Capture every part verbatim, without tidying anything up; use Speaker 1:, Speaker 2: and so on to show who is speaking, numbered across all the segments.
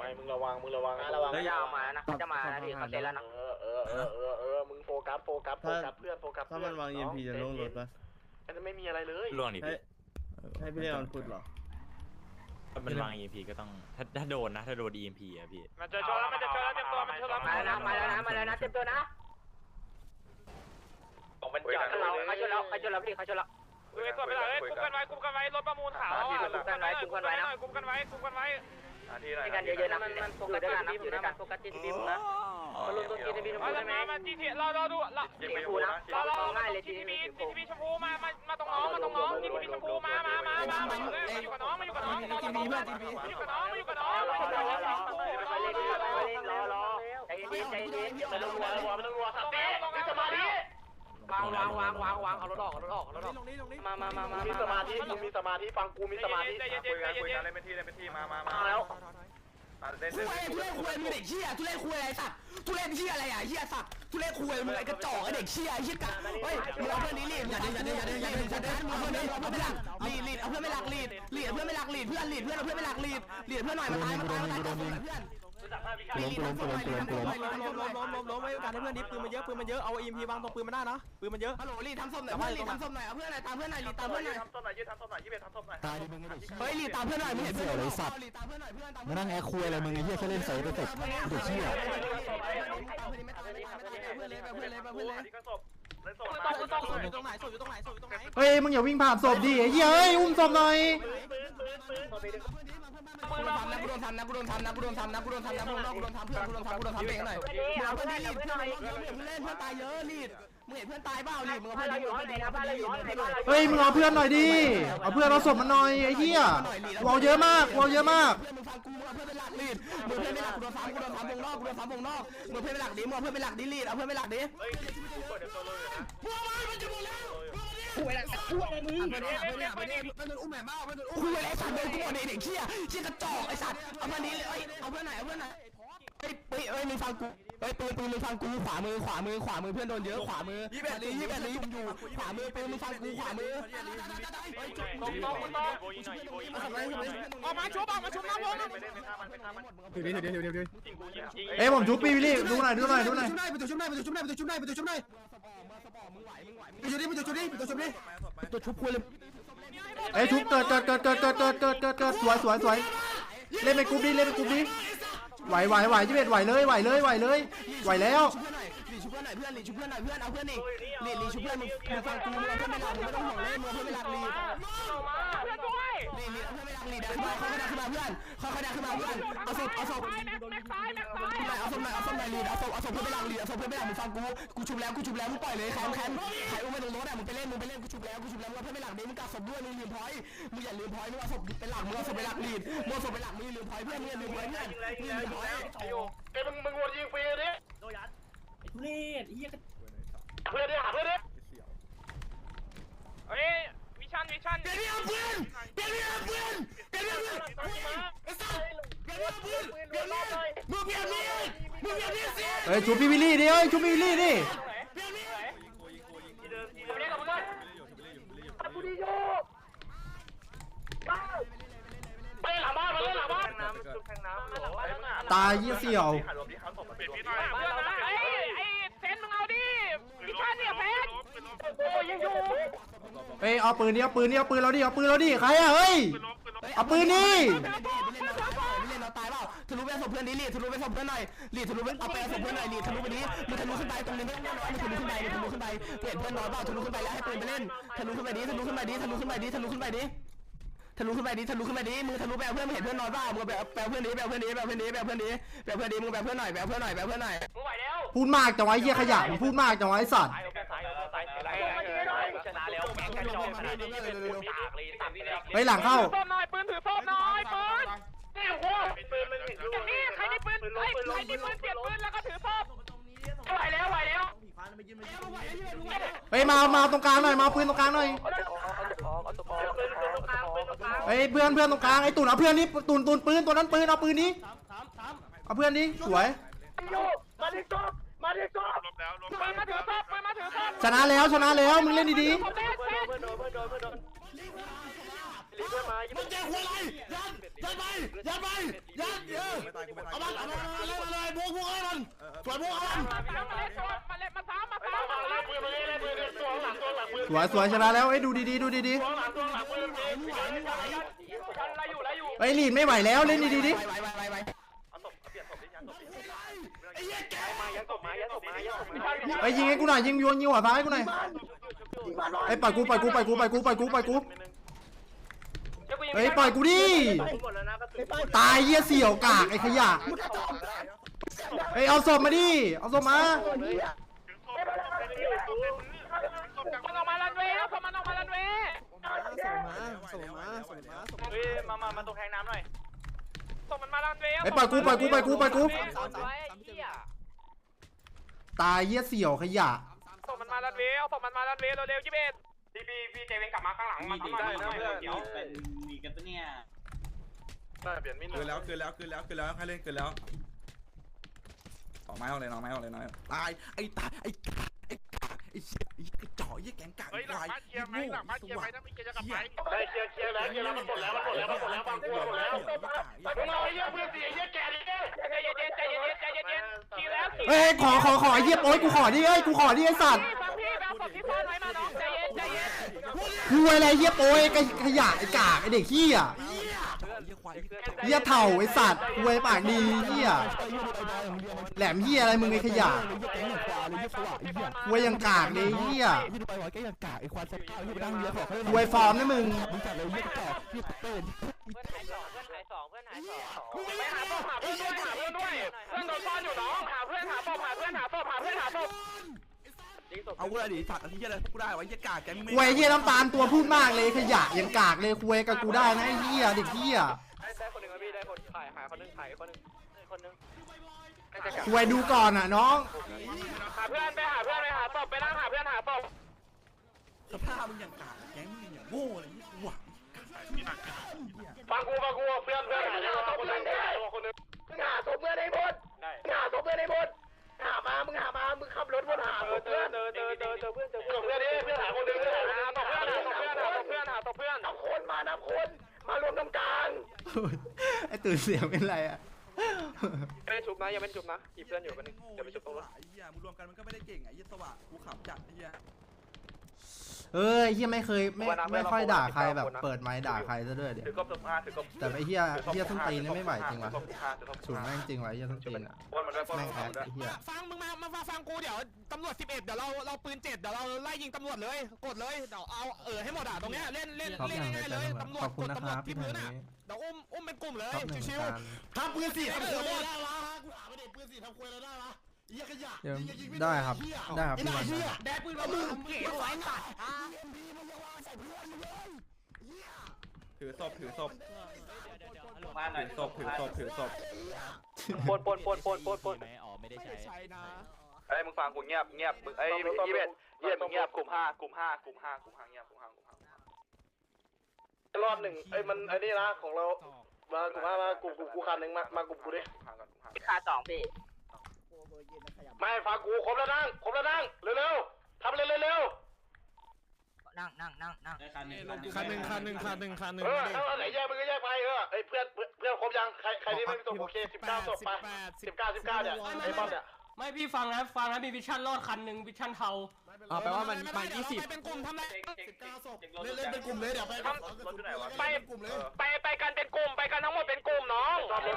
Speaker 1: มึงระวังมึงระวังระวังจะมานะจะมานะพี่เขาเซ็นแล้วนะเออเออเออเออเออมึงโฟกัสโฟกัสโฟกัสเพื่อนโฟกัสถ้ามันวาง อี เอ็ม พี จะลงรถปะมันจะไม่มีอะไรเลย
Speaker 2: ล่วงดิพี่
Speaker 3: ให้พี่เล่นออนฟุตหรอ
Speaker 2: มันวาง อี เอ็ม พี ก็ต้องถ้าถ้าโดนนะถ้าโดน อี เอ็ม พี อ่ะพี่
Speaker 1: มันจะชนแล้วมันจะชนแล้วเต็มตัวมันชนแล้วมาแล้วนะมาแล้วนะมาแล้วนะเต็มตัวนะบอกมันจอดเราเขาชนแล้วเขาชนแล้วพี่เขาชนแล้วเฮ้ยตัวไปเลยกุมกันไว้กุมกันไว้รถประมูลขาวอ่ะกุมกันไว้กุมกันไว้กุมกันไว้กุมกันไว้ที่กันเยอะๆนะมันมันโฟกัสด้วยกันนะอยู่ด้วยกันโฟกัสจีทีพีนะมาลงตัวจีทีพีชมพูได้ไหมมาจีทีเราเราดูเราจีทีพีนะเราเราง่ายเลยจีทีพีจีทีพีชมพูมามามาตรงน้องมาตรงน้องจีทีพีชมพูมามามามามาอยู่กับน้องมาอยู่กับน้องจีทีพีเพื่อนจีทีพีมาอยู่กับน้องมาอยู่กับน้องรอรอรอใจเย็นใจเย็นไม่ต้องรัวรัวไม่ต้องรัวสับเต้มีสมาธิวางวางวางวางวางเอารถออกเอารถออกเอารถออกมามามามามีสมาธิมึงมีสมาธิฟังกูมีสมาธิคุยกันคุยกันเล่นเป็นที่เล่นเป็นที่มามามาแล้ว
Speaker 4: ทุเรศทุเรศคุยมึงเด็กเชี่ยทุเรศคุยอะไรสัตว์ทุเรศเชี่ยอะไรอ่ะเชี่ยสัตว์ทุเรศคุยมึงไอ้กระจอกไอ้เด็กเชี่ยไอ้เชี่ยกะเฮ้ยมึงเอาเพื่อนนี้รีดอย่าเดินอย่าเดินอย่าเดินอย่าเดินอย่าเดินเอาเพื่อนนี้เอาเพื่อนไม่หลักรีดรีดเอาเพื่อนไม่หลักรีดรีดเอาเพื่อนไม่หลักรีดเพื่อนรีดเพื่อนเอาเพื่อนไม่หลักรีดรีดเพื่อนหน่อยมาตายมาตายมาตายเพื่อน
Speaker 3: ล้มล้มล้มล้มล้มล้มล้มล้มล้มล้มไว้การให้เพื่อนดิปืนมันเยอะปืนมันเยอะเอา อี เอ็ม พี วางตรงปืนมันได้นะปืนมันเยอะ
Speaker 4: ฮัลโหลรีดทำส้มหน่อยเพื่อนรีดทำส้มหน่อยเอาเพื่อนหน่อยตามเพื่อนหน่อยรีดตามเพื่อนหน่อย
Speaker 1: ทำส้มหน่อยยืดทำส้มหน่อยยืดทำส้มหน่อย
Speaker 3: ตายดิมึงไอ้เด็ก
Speaker 4: เฮ้ยรีดตามเพื่อนหน่อยมึงเห็นเพื่อนเลยสัตว์
Speaker 3: รีดตามเพื่อนหน่อยเพื่อนตามมานั่งแอคคุยอะไรมึงไอ้เหี้ยแค่เล่นเสยไปเสร็จเด็กเหี้ยเฮ้ยมึงอย่าวิ่งผ่านศพดิไอ้เหี้ยเฮ้ยอุ้มศพหน่อย
Speaker 4: กูโดนทำนะกูโดนทำนะกูโดนทำนะกูโดนทำนะกูโดนทำนะกูโดนทำเพื่อนกูโดนทำกูโดนทำเองหน่อยมึงเอาเพื่อนรีดเพื่อนมึงเล่นเพื่อนตายเยอะรีดมึงเห็นเพื่อนตายเปล่ารีดมึงเอาเพื่อนรีดเพื่อนรีดเพื่อนรีด
Speaker 3: เฮ้ยมึงเอาเพื่อนหน่อยดิเอาเพื่อนเอาศพมันหน่อยไอ้เหี้ยวอลเยอะมากวอลเยอะมาก
Speaker 4: เพื่อนมึงฟังกูมึงเอาเพื่อนเป็นหลักรีดมึงเพื่อนเป็นหลักกูโดนทำกูโดนทำวงนอกกูโดนทำวงนอกมึงเพื่อนเป็นหลักดิมึงเอาเพื่อนเป็นหลักดิรีดเอาเพื่อนเป็นหลักดิพวกมันมันจะหมดแล้วคุยอะไรคุยอะไรมึงเพื่อนเพื่อนเพื่อนเพื่อนอุ้มแม่บ้าเพื่อนคุยอะไรสัตว์เดินกูเด็กเชี่ยเชี่ยกระจอกไอ้สัตว์เอาเพื่อนนี้เลยเอาเพื่อนไหนเอาเพื่อนไหนเฮ้ยเฮ้ยเฮ้ยมึงฟังกูเฮ้ยปืนปืนมึงฟังกูขวามือขวามือขวามือเพื่อนโดนเยอะขวามือยี่แปดลียี่แปดลีอยู่ขวามือปืนมึงฟังกูขวามือ
Speaker 1: ตรงตรงตรงออกมาชุบออกมาชุบนะพวก
Speaker 3: เดี๋ยวเดี๋ยวเดี๋ยวเดี๋ยวเอ้ยผมชุบปีวิลลี่ดูหน่อยดูหน่อยดูหน่อย
Speaker 4: ไปตัวชุบหน่อยไปตัวชุบหน่อยไปตัวชุบหน่อยไปตัวชุบหน่อยไปตัวชุบนี่ไปตัวชุบนี่ไปตัวชุบนี่ตัวชุบคุยเลย
Speaker 3: เอ้ยชุบเกิดเกิดเกิดเกิดเกิดเกิดเกิดเกิดเกิดสวยสวยสวยเล่นเป็นกรุ๊ปดิเล่นเป็นกรุ๊ปดิไหวไหวไหวยี่สิบเอ็ดไหวเลยไหวเลยไหวเลยไหวแล้ว
Speaker 4: ลีชุบเพื่อนหน่อยเพื่อนลีชุบเพื่อนหน่อยเพื่อนเอาเพื่อนนี่ลีลีชุบเพื่อนมึงมึงฟังกูมึงเอาเพื่อนไม่หลักมึงไม่ต้องห่วงเลยมึงเอาเพื่อนไม่หลักลี
Speaker 1: เพื่อนด้วย
Speaker 4: ลีลีเอาเพื่อนไม่หลักลีได้ขึ้นมาเขาขึ้นมาเพื่อนเขาขึ้นมาขึ้นมาเพื่อนเอาศพเอาศพเอาศพหน่อยเอาศพหน่อยลีเอาศพเอาศพเพื่อนไม่หลักลีเอาศพเพื่อนไม่หลักมึงฟังกูกูชุบแล้วกูชุบแล้วมึงปล่อยเลยแคมแคมใครอุ้มไปตรงรถอ่ะมึงไปเล่นมึงไปเล่นกูชุบแล้วกูชุบแล้วมึงเอาเพื่อนไม่หลักดิมึงกัดศพด้วยมึงลืมพอยมึงอย่าลืมพอยมึงเอาศพเป็นหลักมึงเอาศพเป็นหลักลีดมึงเอาศพเป็นหลักมึงลืมพอยเพื่อนมึงอย่าลืมพอยเพื่อนมึงอย่าลืมพอย
Speaker 1: ไอ้มึงมึงวนยิงฟรีดิ
Speaker 5: โดยัดไอ้ทุเรศไอ้เหี้ย
Speaker 1: เพื่อนดิหาเพื่อนดิเฮ้ยวิชันวิชัน
Speaker 4: เดี๋ยวนี้เอาเพื่อนเดี๋ยวนี้เอาเพื่อนเดี๋ยวนี้เอาเพื่อนไอ้สัสเดี๋ยวนี้เอาเพื่อนเดี๋ยวนี้มึงเปลี่ยนนี่มึงเปลี่ยนนี่สิ
Speaker 3: เฮ้ยชุบปีวิลลี่ดิเฮ้ยชุบปีวิลลี่ดิ
Speaker 4: เปลี่ยนนี่
Speaker 1: เล่นกับมึงเลยกูดีโยไปหลังบ้านมาเลยหลังบ้านน้ำจุดแทงน้ำ
Speaker 3: ตายยี่เสี่ยว
Speaker 1: ไอ้ไอ้เซนมึงเอาดิวิชันเนี่ยเพชรโอ้ยังอยู่
Speaker 3: เฮ้ยเอาปืนดิเอาปืนดิเอาปืนเราดิเอาปืนเราดิใครอะเฮ้ยเอาปืนนี่
Speaker 4: เล่นเราตายเปล่าทะลุไปศพเพื่อนนี้รีทะลุไปศพเพื่อนหน่อยรีทะลุไปเอาไปศพเพื่อนหน่อยรีทะลุไปนี้มึงทะลุขึ้นไปตรงนี้ไม่ต้องน้อยมึงทะลุขึ้นไปมึงทะลุขึ้นไปเปลี่ยนเพื่อนน้อยเปล่าทะลุขึ้นไปแล้วให้ปืนไปเล่นทะลุขึ้นไปนี้ทะลุขึ้นไปนี้ทะลุขึ้นไปนี้ทะลุขึ้นไปนี้ทะลุขึ้นไปดิทะลุขึ้นไปดิมึงทะลุไปเอาเพื่อนมึงเห็นเพื่อนนอนเปล่ามึงแบบแปลเพื่อนดิแปลเพื่อนดิแปลเพื่อนดิแปลเพื่อนดิแปลเพื่อนดิมึงแปลเพื่อนหน่อยแปลเพื่อนหน่อยแปลเพื่อนหน่อย
Speaker 1: มึงไหวแล้ว
Speaker 3: พูดมากจังไว้เหี้ยขยะมึงพูดมากจังไว้สัตว์
Speaker 1: ชนะแล้วแข่งกันจบขนาดนี้เป็นปืนตากเลยตัดเลย
Speaker 3: ไปหลังเข้า
Speaker 1: ปืนหน่อยปืนถือศพหน่อยปืนนี่โอ้โหปืนมันอย่างนี้ใครมีปืนใครใครมีปืนเปลี่ยนปืนแล้วก็ถือศพไหวแล้วไหวแล้ว
Speaker 3: เฮ้ยมามาตรงกลางหน่อยมาปืนตรงกลางหน่อยเฮ้ยเพื่อนเพื่อนตรงกลางไอ้ตุ่นเอาเพื่อนนี้ตุ่นตุ่นปืนตัวนั้นปืนเอาปืนนี้เอาเพื่อนนี้สวย
Speaker 1: มาดิศพมาดิศพปืนมาถือศพปืนมาถือศพ
Speaker 3: ชนะแล้วชนะแล้วมึงเล่นดีๆ
Speaker 1: รีเพื่อนมายี่
Speaker 4: มันแจกหัวอะไรยันยันไปยันไปยันเออเอามันเอามันเอาเลยเอาเลยพวกพวกเอามันสวยพวกเอามัน
Speaker 1: มาเล่นมาซ้ำมาซ้ำมาเล่นปืนมาเล่นปืนตัวหลังตัวหลังปืน
Speaker 3: สวยสวยชนะแล้วเอ้ยดูดีๆดูดี
Speaker 1: ตัวหลังตัวหลังปืนไม่ไหวไม่ไหวไรอยู่ไรอยู่
Speaker 3: ๆเอ้ยลีดไม่ไหวแล้วเล่นดีๆดิ
Speaker 4: ไปไปไปไป
Speaker 1: เอาศพเปลี่ยนศพดิยันศพดิ
Speaker 4: ไอ้เหี้ยแก
Speaker 1: มายันศพมายันศพมายันศพมา
Speaker 3: เอ้ยยิงให้กูหน่อยยิงโยนยิงหัวซ้ายให้กูหน่อยเอ้ยปล่อยกูปล่อยกูปล่อยกูปล่อยกูปล่อยกูปล่อยกูเฮ้ยปล่อยกูดิตายเหี้ยเสี่ยวกากไอ้ขยะเฮ้ยเอาศพมาดิเอาศพมา
Speaker 1: มันออกมาลันเวย์แล้วมันออกมาลันเวย์เฮ้ยมามามาตรงแทงน้ำหน่อยส่งมันมาลันเวย์
Speaker 3: เฮ้ยปล่อยกูปล่อยกูปล่อยกูปล่อยกูตายเหี้ยเสี่ยวขยะ
Speaker 1: ส่งมันมาลันเวย์เอาส่งมันมาลันเวย์เร็วๆยี่สิบเอ็ดพี่พี่พี่เจเวนกลับมาข้างหลังมาได้นะเพื่อนเดี๋ยว
Speaker 5: มีกันปะเนี่ย
Speaker 1: เปลี่ยนมิน
Speaker 6: คืนแล้วคืนแล้วคืนแล้วคืนแล้วให้เล่นคืนแล้วออกไม้ออกเลยน้องไม้ออกเลยน้องตายไอ้ตายไอ้กากไอ้กากไอ้เชี่ยไอ้ไอ้จ่อไอ้แกงกาก
Speaker 1: เฮ้ยหลัง
Speaker 6: ไอ้
Speaker 1: บ้านเคลียร์ไหมหลังบ้านเคลียร์ไหมถ้าไม่เคลียร์จะกลับไป
Speaker 6: ได้เคลียร์เคลียร์แล้วเคลียร์แล้วมันหมดแล้วมันหมดแล้วมันหมดแล้วบางกูหมดแล้ว
Speaker 1: มึงเอาไอ้เหี้ยเพื่อนสิไอ้เหี้ยแก่ดิใจเย็นใจเย็นใจเย็นใจเย็นขี่แล้วขี่
Speaker 3: เฮ้ยขอขอขอไอ้เหี้ยโอ๊ยกูขอดิเอ้ยกูขอดิไอ้สัตว์
Speaker 1: ฟังพี่เอาศพที่ซ่อนไว้มาน้องใจเย็นใจเย็น
Speaker 3: คุยอะไรเหี้ยโอ๊ยไอ้ขยะไอ้กากไอ้เด็กขี้อ่ะเหี้ยเถ่าไอ้สัตว์คุยปากดีเหี้ยแหลมเหี้ยอะไรมึงไอ้ขยะคุยยังกากเลยเหี้ย
Speaker 4: ที่ดูไปว่าแกยังกากไอ้ควายสัตว์ข้าวที่ไปนั่งเรือขอเขา
Speaker 3: คุยฟอร์มนะมึง
Speaker 4: มึงจัดเลยเยี่ยกอกเยี่ยเต้น
Speaker 1: เพื่อนหายสองเพื่อนหายสองเพื่อนหายสองไปหาศพหาเพื่อนด้วยหาเพื่อนด้วยเพื่อนโดนซ่อนอยู่น้องหาเพื่อนหาศพหาเพื่อนหาศพหาเพื่อนหาศพ
Speaker 4: เอากูเลยดิสัตว์อะไรที่อะไรกูได้วะเยี่ยกากแกไม่
Speaker 3: คุยเหี้ยน้ำตาลตัวพูดมากเลยขยะยังกากเลยคุยกับกูได้นะไอ้เหี้ยเด็กเหี้ย
Speaker 1: ได้คนหนึ่งพี่ได้คนขายหายคนนึงขายคนนึงคนนึง
Speaker 3: คุยดูก่อนอ่ะน้อง
Speaker 1: หาเพื่อนไปหาเพื่อนไปหาศพไปนั่งหาเพื่อนหาศพ
Speaker 4: สภาพมึงอย่างกากแกมึงอย่างโง่เลยยี่หวัง
Speaker 1: ฟังกูฟังกูเพื่อนเพื่อนหาศพคนนึงคนนึงหาศพเพื่อนให้หมดหาศพเพื่อนให้หมดหามามึงหามามึงขับรถวนหาเจอเจอเจอเจอเจอเพื่อนเจอเพื่อนเพื่อนดิเพื่อนหาคนนึงหาศพเพื่อนหาศพเพื่อนหาศพเพื่อนหาศพเพื่อนนับคนมานับคนมารวมตรงกลาง
Speaker 3: ไอ้ตื่นเสียงเป็นไรอ่ะ
Speaker 1: ไม่ได้ชุบนะยังไม่ชุบนะจีบเพื่อนอยู่กันนึงเดี๋ยวไปชุบตรงรถ
Speaker 6: ไอ้เหี้ยมึงรวมกันมันก็ไม่ได้เก่งไอ้เหี้ยสว่างกูขับจัดไอ้เหี้ย
Speaker 3: เอ้ยเฮียไม่เคยไม่ไม่ค่อยด่าใครแบบเปิดไมค์ด่าใครซะด้วยเดี๋ยว
Speaker 1: ถือกบถือผ้าถือกบ
Speaker 3: แต่ไอ้เฮียเฮียส้นตีนนี่ไม่ไหวจริงวะฉุนแม่งจริงวะเฮียส้นตีนอ่ะ
Speaker 1: วนมันด้วยวน
Speaker 3: แม่ง
Speaker 1: มั
Speaker 3: แอน ด
Speaker 1: ด้วย
Speaker 3: ไอ้เฮีย
Speaker 4: ฟังมึงมามาฟังฟังกูเดี๋ยวตำรวจสิบเอ็ดเดี๋ยวเราเราปืนเจ็ดเดี๋ยวเราไล่ยิงตำรวจเลยกดเลยเดี๋ยวเอาเออให้หมดอ่ะตรงเนี้ยเล่นเล่น
Speaker 3: ชอบ
Speaker 4: เล่
Speaker 3: อน ย่างไร
Speaker 4: ง่ายๆ
Speaker 3: แต่
Speaker 4: เลย
Speaker 3: ตำรวจ
Speaker 4: ตำรว
Speaker 3: ข
Speaker 4: จ
Speaker 3: อบคุณ
Speaker 4: กด
Speaker 3: นะ
Speaker 4: ตำ
Speaker 3: ค
Speaker 4: รวจ
Speaker 3: รับ
Speaker 4: ที่
Speaker 3: พี่
Speaker 4: พื้น
Speaker 3: ธั
Speaker 4: อ่ะ
Speaker 3: นนี้
Speaker 4: เดี๋ยวอุ้มอุ้มเป็นกลุ่มเลย
Speaker 3: ชอบหนึ่ง
Speaker 4: ชิว
Speaker 3: การ
Speaker 4: ๆทำปืนสี่ทำควยได้ละกูถามไปเด็กปืนสี่ทำควยได้ละเยี่ยขยะ
Speaker 3: เดี๋ยวได้ครับได้ครับพี่วันนะ
Speaker 4: แดกปืนมามึงเก๋ไว้ตัด
Speaker 6: ถือศพถือศพถือศพถือศพถือศพ
Speaker 1: ปนปนปนปนปนปน
Speaker 2: ไหมอ๋อไม่ได้ใช้
Speaker 4: ใช่นะ
Speaker 1: ไอ้มึงฟังกูเงียบเงียบมึงไอ้ยี่สิบเอ็ดยี่สิบเอ็ดมึงเงียบกลุ่มห้ากลุ่มห้ากลุ่มห้ากลุ่มห้าเงียบกลุ่มห้ากลุ่มห้ารอบหนึ่งไอ้มันไอ้นี่นะของเรามากลุ่มห้ามากลุ่มกูกูคันหนึ่งมามากลุ่มกูดิ
Speaker 7: ขาสองพี่
Speaker 1: ไม่ฟังกูครบแล้วนั่งครบแล้วนั่งเร็วๆทำเร็วเร็ว
Speaker 7: นั่งนั่งนั่งนั่ง
Speaker 5: คันหนึ่ง
Speaker 4: คันหนึ่งคันหนึ่งคันหนึ่งคันหนึ่ง
Speaker 1: เออถ้าไหนแยกมึงก็แยกไปเออไอ้เพื่อนเพื่อนครบยังใครใครที่ไม่มีตัวโอเคสิบเก้าศพไปสิบเก้าสิบเก้าเนี่ยไอ้บอลเนี่ย
Speaker 5: ไม่พี่ฟังนะฟังนะมีวิชั่นรอดคันหนึ่งวิชั่นเทา
Speaker 4: อ่าแปลว่ามันมันยี่สิบเป็นกลุ่มทำไรสิบเก้าศพเล่นเล่นเป็นกลุ่มเลยเดี๋ยวไป
Speaker 1: ไปไปไปไปกันเป็นกลุ่มไปกันทั้งหมดเป็นกลุ่มน้องประ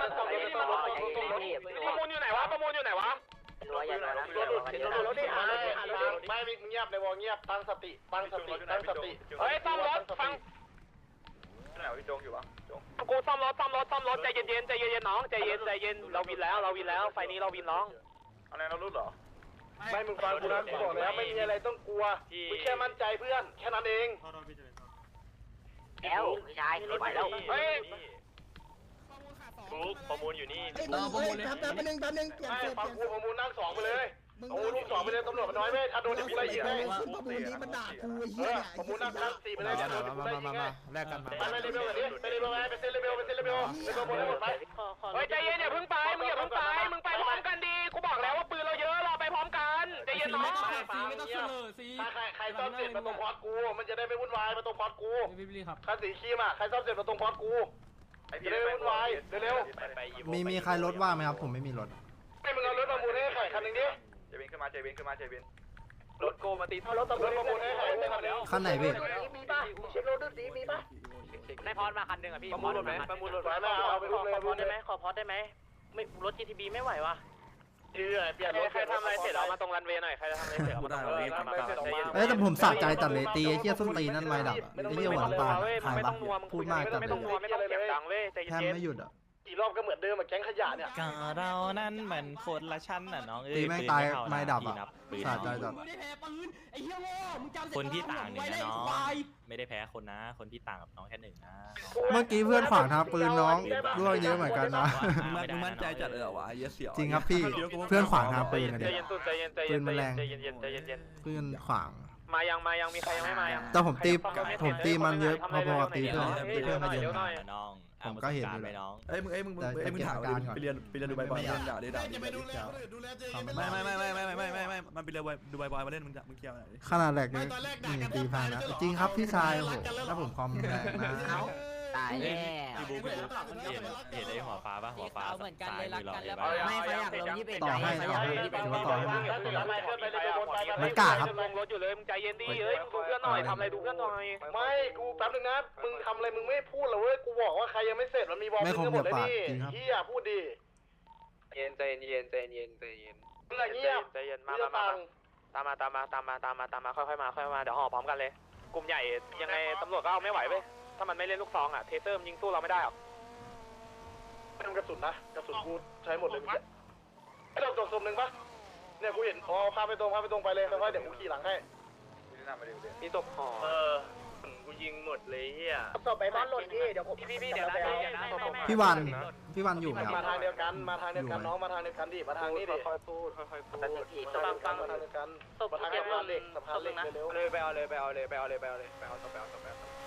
Speaker 1: มูลอยู่ไหนวะประมูลอยู่ไหนวะ
Speaker 7: รัวอย่างนั้นนะ
Speaker 1: รถรถดิหาหาไม่เงียบในวงเงียบตั้งสติตั้งสติตั้งสติเฮ้ยซ่อมรถฟังไหนพี่จงอยู่วะจงกูซ่อมรถซ่อมรถซ่อมรถใจเย็นๆใจเย็นๆน้องใจเย็นใจเย็นเราวินแล้วเราวินแล้วไฟนี้เราวินน้องอะไรเรารู้เหรอไม่มึงฟังกูนะกูบอกแล้วไม่มีอะไรต้องกลัวมึงแค่มั่นใจเพื่อนแค่นั้นเอง
Speaker 7: แล้วไม่ใช่ไม่ไหวแล้ว
Speaker 1: เฮ้ย
Speaker 2: ฟุกประมูลอยู่นี่
Speaker 4: เออประมูลเลยแป๊บนึงแป๊บนึงเปลี่ยน
Speaker 1: ไม่
Speaker 4: เปลี่ยน
Speaker 1: ฟังกูประมูลนั่งสองไปเลยประมูลลูกสองไปเลยตำรวจมันน้อยไหมถ้าโดนจะกูไล่ยิงให้
Speaker 4: ประมูลนี้มันด่ากู
Speaker 1: เอ
Speaker 4: เฮีย
Speaker 1: อประมูลนั่งนั่งสี่ไปเลยโดนจะกูไล่ยิงให้
Speaker 4: แลกกันมา
Speaker 1: ไปเลเวลแบบนี้ไปเลเวลไปเซ็นเลเวลไปเซ็นเลเวลเลเวลหมดเลยหมดไปเฮ้ยใจเย็นอย่าเพิ่งไปมึงอย่าเพิ่งไปมึงไปพร้อมกันดีกูบอกแล้วว่าปืนเราเยอะเราไปพร้อมกันใจเย็นน้อง
Speaker 5: ซีไม่ต้องเสนอซี
Speaker 1: ใครใคร
Speaker 5: ซ่อมเสร็จมาตรงพอดกูมันจะได้ไม่วุ่นวายมาตรงพอดกูพี่พี่ครับคันสีครีมอ่ะใครซ่อมเสร็จมาตรงพอดกูจะได้ไม่วุ่นวายเร็ว
Speaker 3: มีมีใครรถว่างไหมครับผมไม่มีรถ
Speaker 5: ๆให้มึงเอารถประมูลให้ไข่คันหนึ่งดิเจวินขึ้นมาเจวินขึ้นมาเจวินรถโกมาตีรถประมูลให้ไข่คันแล้ว
Speaker 3: คันไหนพี่
Speaker 7: มีป่ะเช็ครถดูสิมีป่ะในพอดมาคันหนึ่งอ่ะพี่
Speaker 5: ประมูลรถไหมประมูลรถไหมเอาไปดูเลย
Speaker 7: ขอพอดได้ไหมขอพอดได้ไหมไม่รถ จี ที บี ไม่ไหววะ
Speaker 5: เชื่อเปลี่ยนรถใครทำอะไรเสร็จเอามาตรงรันเวย์หน่อยใครจะทำอะไรเสร็จเอามาตรงรันเวย์
Speaker 3: เอ้ยแต่ผมสะใจตัดเลยตีไอ้เหี้ยส้นตีนั่นไม่ดับอ่ะไอ้เหี้ยหวานตาขายปะพูดมากจัดเลย
Speaker 5: ไม่ต้องนัวไม่ต้องเสียงดังเว้ยใจ
Speaker 3: แทบ
Speaker 5: เย็น
Speaker 3: ไม่หยุดอ่ะ
Speaker 5: ๆกี่รอบก็เหมือนเดิมอะแก๊งขยะเนี่ย
Speaker 2: ก็เรานั้นเหมือนคนละชั้นน่ะน้องเอ้ย
Speaker 3: ตีแม่งตายไม่ดับอ่ะ
Speaker 2: ปืน
Speaker 3: สะ
Speaker 2: นับ
Speaker 3: ใจ
Speaker 2: ปืน
Speaker 3: จัด
Speaker 4: มึงได้แพ้ปืนไอ้เหี้ยโง่มึงจำ
Speaker 2: คนที่ต่างหนึ่งนะน้อง
Speaker 4: ควาย
Speaker 2: ไม่ได้แพ้คนนะ คนที่ต่างกับน้องแค่หนึ่งนะ
Speaker 3: เมื่อกี้เพื่อนขวางทางปืนน้องร่วงเยอะเหมือนกันนะ
Speaker 6: มึงมั่นใจจัดเออวะเยอะเสียว
Speaker 3: จริงครับพี่เพื่อนขวางทางปืนนะ
Speaker 5: ใจ
Speaker 3: เด็ก
Speaker 5: เย็นสุดใจเย็นใจเย็นใจเย็นใจเย็นใจเย็น
Speaker 3: เพื่อนขวาง
Speaker 5: มายังมายังมีใครยังไม่มายัง
Speaker 3: แต่ผมตีผมตีมันเยอะพอๆกับตีเพื่อนเพื่อนก็เยอะ
Speaker 5: หน่อย
Speaker 2: น้อง
Speaker 3: ผมก็เห็นอยู่
Speaker 2: ไปน้อง
Speaker 6: เอ้ยมึงเอ้ยมึงเอ้ยมึงถามไปเรียนไปเรียนดูใบบอยเล่นด่าดิด่าดิไม่ไม่ไม่ไม่ไม่ไม่ไม่ไม่มันไปเรียนดูใบบอยมาเล่นมึงมึงเกี่ยวอะไร
Speaker 3: ขนาดแรกนี่นี่ตีพังนะจริงครับพี่ชายโอ้โหถ้าผมคอมแรงนะ
Speaker 7: ตายแล้ว
Speaker 2: พี่บุ๊คพี่บุ๊คเห็นเห็นไอ้หัวฟ้าป่ะหัวฟ้า
Speaker 7: เหมือนกันเลยรักกันแล้ว
Speaker 2: ซ้ายมือ
Speaker 7: ไม่เขาอยากลงยี่สิบเอ็ด
Speaker 3: ต่อให้
Speaker 7: เขา
Speaker 3: ต่
Speaker 7: อ
Speaker 3: อย
Speaker 7: าก
Speaker 3: ให้
Speaker 7: ลงยี่สิบเอ็ด
Speaker 3: ถือว่าต่อให้
Speaker 5: มันกล้าครับลงรถอยู่เลยมึงใจเย็นดิเฮ้ยดูเพื่อนหน่อยทำอะไรดูเพื่อนหน่อยไม่กูแป๊บนึงนะมึงทำอะไรมึงไม่พูดเลยเว้ยกูบอกว่าใครยังไม่เสร็จมันมีบอล
Speaker 3: ไม่คม
Speaker 5: หม
Speaker 3: เดี๋
Speaker 5: ด
Speaker 3: ยว
Speaker 5: เลย
Speaker 3: ปาก
Speaker 5: นี่
Speaker 3: จริงครับ
Speaker 5: เฮียพูดดิเย็นใจเย็นใจเย็นใจเย็นมึงอะเงียบใจเย็นมามาตามมาตามมาตามมาตามมาตามมาค่อยๆมาค่อยๆมาเดี๋ยวห่อพร้อมกันเลยกลุ่มใหญ่ยังไงตำรวจก็เอาไม่ไหวเว้ยถ้ามันไม่เล่นลูกซองอ่ะเทเตอร์ยิงสู้เราไม่ได้หรอกไม่ต้องกระสุนนะกระสุนกูใช้หมดเลยเมื่อกี้ไอ้ดอกจบสมหนึ่งปะเนี่ยกูเห็นอ๋อพาไปตรงพาไปตรงไปเลยค่อยๆเดี๋ยวกูขี่หลังให้มีศพห่อเออกูยิงหมดเลยเฮีย
Speaker 7: ศพไปบ้านหล่นพี่เดี๋ยวผมพี่พี่เดี๋ยวนะ
Speaker 3: พี่วันพี่วันอยู่ไหมครับ
Speaker 5: มาทางเดียวกันมาทางเดียวกันน้องมาทางเดียวกันดิมาทางนี้ดิค่อยๆพูดค่อยๆพูดฟังฟังมาทางเดียวกันมาทางสะพานเหล็กสะพานเหล็กเร็วๆเลยไปเอาเลยไปเอาเลยไปเอาเลยไปเอาเลยไปเอาต่อไปเอาต่อไป